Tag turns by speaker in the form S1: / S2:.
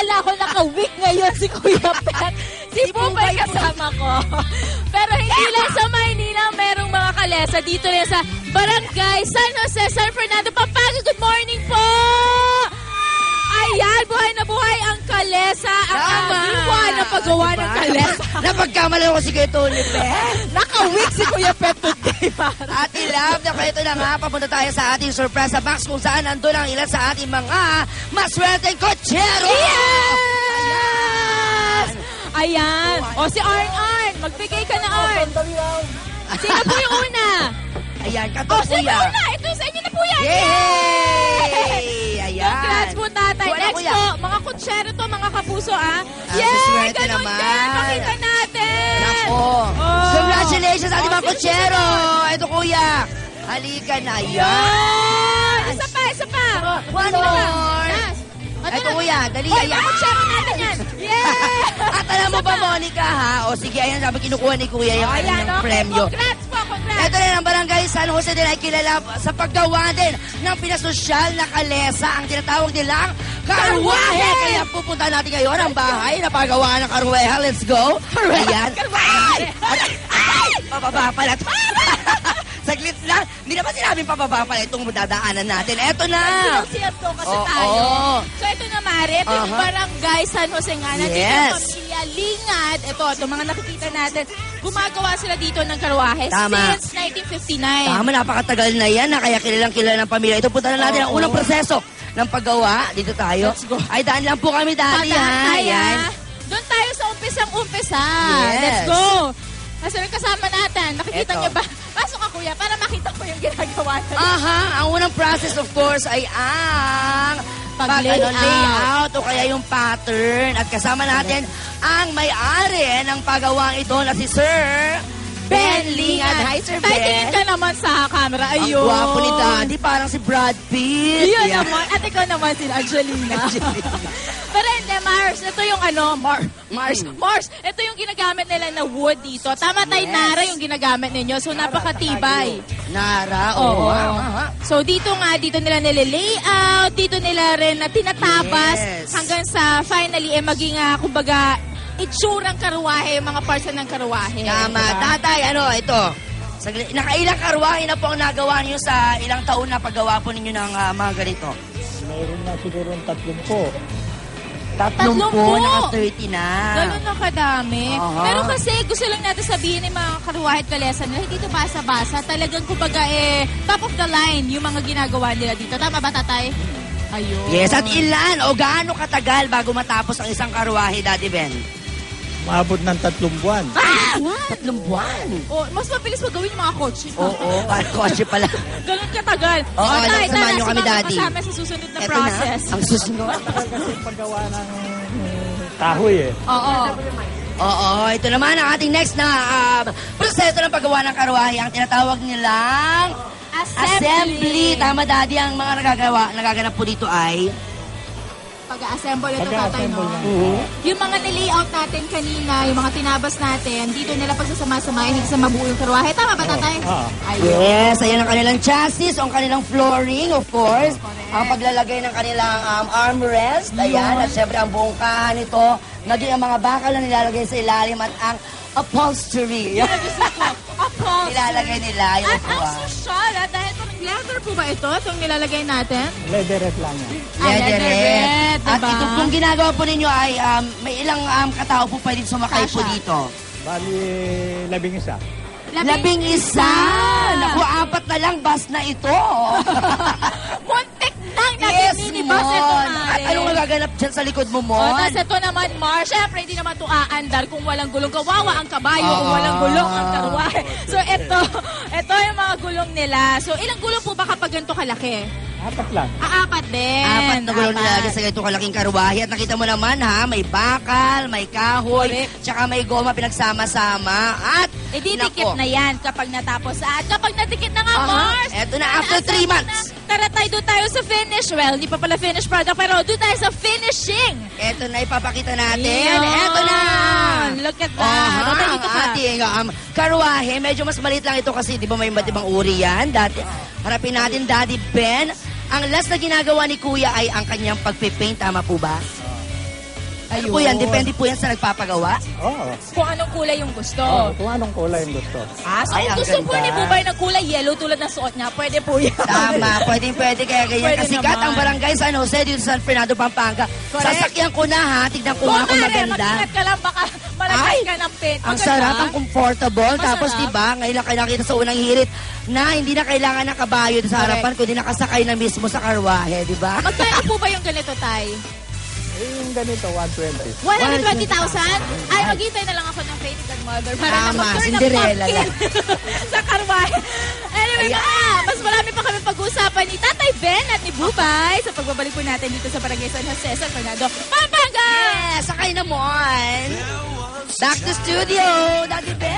S1: Akala ko naka-week ngayon si Kuya Pet. Si Pupay kasama ko. Pero hindi lang sa Maynila, merong mga kalesa dito rin sa Barangay San Jose, San Fernando, Pampanga. Good morning po! Ayan, buhay na buhay ang kalesa. Ang ama na paggawa ng kalesa.
S2: Napagkamali ko si Kuya Tony Pet.
S1: Naka-week si Kuya Pet today, para.
S2: At ilab na ito na nga, papunta tayo sa ating surprise box kung saan nandun ang ilan sa ating mga maswerteng kotsero!
S1: Yes! Ayan. O si Arn. Magbigay ka na, Arn. Sino po yung una?
S2: Ayan,
S1: O,
S2: kato
S1: sino
S2: kuya.
S1: una? Ito sa inyo na po yan.
S2: Yay! Ayan.
S1: Congrats po, tatay.
S2: Kuya,
S1: Next
S2: kuya.
S1: po, mga kutsero to, mga kapuso,
S2: swerte
S1: Ganun
S2: naman.
S1: din. Makita natin.
S2: Nako.
S1: Oh.
S2: Congratulations sa ating mga
S1: Oh,
S2: kotsero. Ito kuya. Halika na. Ayan.
S1: Yan. Isa pa.
S2: One
S1: Sino ba?
S2: more.
S1: Yes.
S2: Ito kuya. Dali.
S1: Oy,
S2: Ayan.
S1: mga kutsero natin yan. Yeah.
S2: At alam mo ba, Monica, ha? O sige, ayan, sabi kinukuha ni kuya yung
S1: Ayan,
S2: kanyang
S1: okay.
S2: premyo.
S1: Congrats po, congrats.
S2: Ito rin ang barangay San Jose din ay kilala sa paggawa din ng pinasosyal na kalesa, ang tinatawag nilang karwahe. Kaya pupunta natin ngayon ang bahay na pagawa ng karwahe. Let's go. Ayan.
S1: Karwahe.
S2: Ay! Pababa pala. Saglit lang. Hindi naman sinabing pababa pala itong dadaanan natin. Eto na.
S1: Sinasiyat ko kasi
S2: Oo.
S1: tayo. So ito na, Mare. Ito yung barangay San Jose nga. Nandito
S2: Yes.
S1: ang pamilya Lingad. Ito, mga nakikita natin. Gumagawa sila dito ng karwahe
S2: Tama.
S1: since 1959.
S2: Tama, napakatagal na yan na kaya kilalang kilala ng pamilya. Ito punta na natin ang unang proseso ng paggawa. Dito tayo.
S1: Let's go.
S2: Ay, daan lang po kami dati, ha? Ayan.
S1: Doon tayo sa umpisang-umpisa.
S2: Yes.
S1: Let's go. Kasi may kasama natin. Nakikita
S2: Eto.
S1: niyo ba? Pasok ka, kuya, para makita ko yung ginagawa natin.
S2: Aha, ang unang process of course ay ang layout o kaya yung pattern. At kasama natin ang may-ari ng pagawang ito na si Sir Ben Lingad. Hi, Sir Ben.
S1: Tingin ka naman sa camera.
S2: Ang
S1: Ayun.
S2: gwapo ni Daddy, parang si Brad Pitt.
S1: Yun
S2: Yeah.
S1: naman. At ikaw naman si Angelina. Pero hindi, Mars. Ito yung Mars. Ito yung ginagamit nila na wood dito. Tama tayo,
S2: Yes.
S1: Nara yung ginagamit ninyo. So, napakatibay.
S2: Nara,
S1: Oo.
S2: Aha.
S1: So, dito nila nilalayout. Dito nila rin na tinatabas
S2: Yes.
S1: hanggang sa finally, maging, kumbaga, itsurang karwahe, yung mga parts ng karwahe.
S2: Tama.
S1: Diba?
S2: Tatay, ito. Nakailang karwahe na po ang nagawa niyo sa ilang taon na paggawa po ninyo ng mga ganito?
S3: Mayroon na siguro 30.
S2: 30
S1: 30.
S2: naka-30 na.
S1: Ganun na kadami.
S2: Aha.
S1: Pero kasi gusto lang natin sabihin ng mga karwahe at kalesa nila, hindi ito basa-basa. Talagang kumbaga top of the line yung mga ginagawa nila dito. Tama ba, tatay? Ayun.
S2: Yes, at ilan o gaano katagal bago matapos ang isang karwahe, Daddy Ben?
S3: Maabot ng 3 buwan.
S2: 3 buwan.
S1: Oh, mas mabilis magawin yung mga kotse.
S2: Oo, kotse pala.
S1: Ganun katagal.
S2: Oo,
S1: Tay,
S2: alam, samahan nyo kami,
S1: sumama
S2: Daddy.
S1: kasama sa susunod na
S2: Eto
S1: process.
S2: na, ang susunod.
S3: Kasi paggawa ng kahoy
S1: Oo.
S2: Oo, ito naman ang ating next na proseso ng paggawa ng karwahe, ang tinatawag nilang assembly. Tama, Daddy, ang mga nagaganap po dito ay
S1: Pag-assemble ito, tatay, no?
S3: Pag-assemble na.
S1: Yung mga nilayout natin kanina, yung mga tinabas natin, dito nila pagsasama-samahin sa mabuo yung karwahe. Tama ba, tatay?
S3: Oo.
S1: Ayun.
S2: yes, ayan ang kanilang chassis, ang kanilang flooring, of course. Ang paglalagay ng kanilang armrest, ayan, at syempre ang buong kahan nito, naging ang mga bakal na nilalagay sa ilalim at ang upholstery. Nilalagay nila yung
S1: At ang social, dahil parang leather po ba ito? Itong nilalagay natin?
S3: Leatherette lang yan.
S2: leatherette. At
S1: diba?
S2: ito pong ginagawa po ninyo ay may ilang katao po pwedeng sumakay po
S1: Kasha.
S2: dito.
S3: Bali, 11.
S2: 11. Naku, 4 na lang bus na ito.
S1: Muntik nang naging minibus ito,
S2: Mon.
S1: Mare.
S2: At anong nagaganap dyan sa likod mo,
S1: O,
S2: Mon?
S1: tas ito naman, Mar, syempre, hindi naman ito aandar kung walang gulong. Kawawa ang kabayo kung walang gulong ang karwahe. So, ito yung mga gulong nila. So, ilang gulong po ba kapag ganito kalaki?
S3: 4 lang.
S1: 4 din.
S2: 4 na gulong
S1: Apat.
S2: nilalagay sa ganitong kalaking karwahe. At nakita mo naman, ha, may bakal, may kahoy,
S1: Correct.
S2: tsaka may goma pinagsama-sama. At,
S1: Didikit
S2: nako,
S1: na yan kapag natapos. At kapag nadikit na nga,
S2: Aha.
S1: Mars.
S2: Eto na, after 3 months.
S1: Tara tayo, doon tayo sa finish. Well, hindi pa pala finish product, pero doon tayo sa finishing.
S2: Eto na, ipapakita natin.
S1: Yan.
S2: Eto na.
S1: Look at that. Tatay,
S2: ang
S1: dito ka.
S2: ating karwahe. Medyo mas maliit lang ito kasi di ba may iba't ibang uri yan. Harapin natin, Daddy Ben. Ang last na ginagawa ni Kuya ay ang kanyang pagpipaint. Tama po ba? Ano po yan? Depende po yan sa nagpapagawa.
S3: Oo.
S1: Kung anong kulay yung gusto.
S3: Kung anong kulay yung gusto.
S1: So
S2: Ay,
S1: kung
S2: ang
S1: gusto po
S2: ganda.
S1: ni Bubay ng kulay yellow tulad ng suot niya, pwede po yan.
S2: Tama, pwede kaya ganyan.
S1: Pwede
S2: Kasikat
S1: naman.
S2: ang barangay San Jose dito sa San Fernando, Pampanga.
S1: Correct.
S2: Sasakyan ko na ha, tignan ko nga kung maganda.
S1: Mag-ingat ka lang, baka malagay
S2: Ay,
S1: ka ng pin.
S2: Ang
S1: Maganda.
S2: sarap, ang comfortable.
S1: Masarap.
S2: Tapos diba, ngayon lang kayo nakita sa unang hirit na hindi na kailangan ng kabayo sa
S1: Correct.
S2: harapan, kundi nakasakay na mismo sa karwahe, diba?
S1: Magkano po ba yung ganito, Tay?
S3: Yung ganito, 120.
S1: 120,000? Ay, maghintay na lang ako ng credit card mother para na
S2: Tama,
S1: mag-turn ng
S2: Cinderella
S1: pumpkin sa karwahe. Anyway,
S2: Ayan.
S1: mas marami pa kami pag-uusapan ni Tatay Ben at ni Bubay sa pagbabalik po natin dito sa Barangay San Jose, San Fernando, Pampanga!
S2: Yes, sakay na mo. Back to studio, Daddy Ben.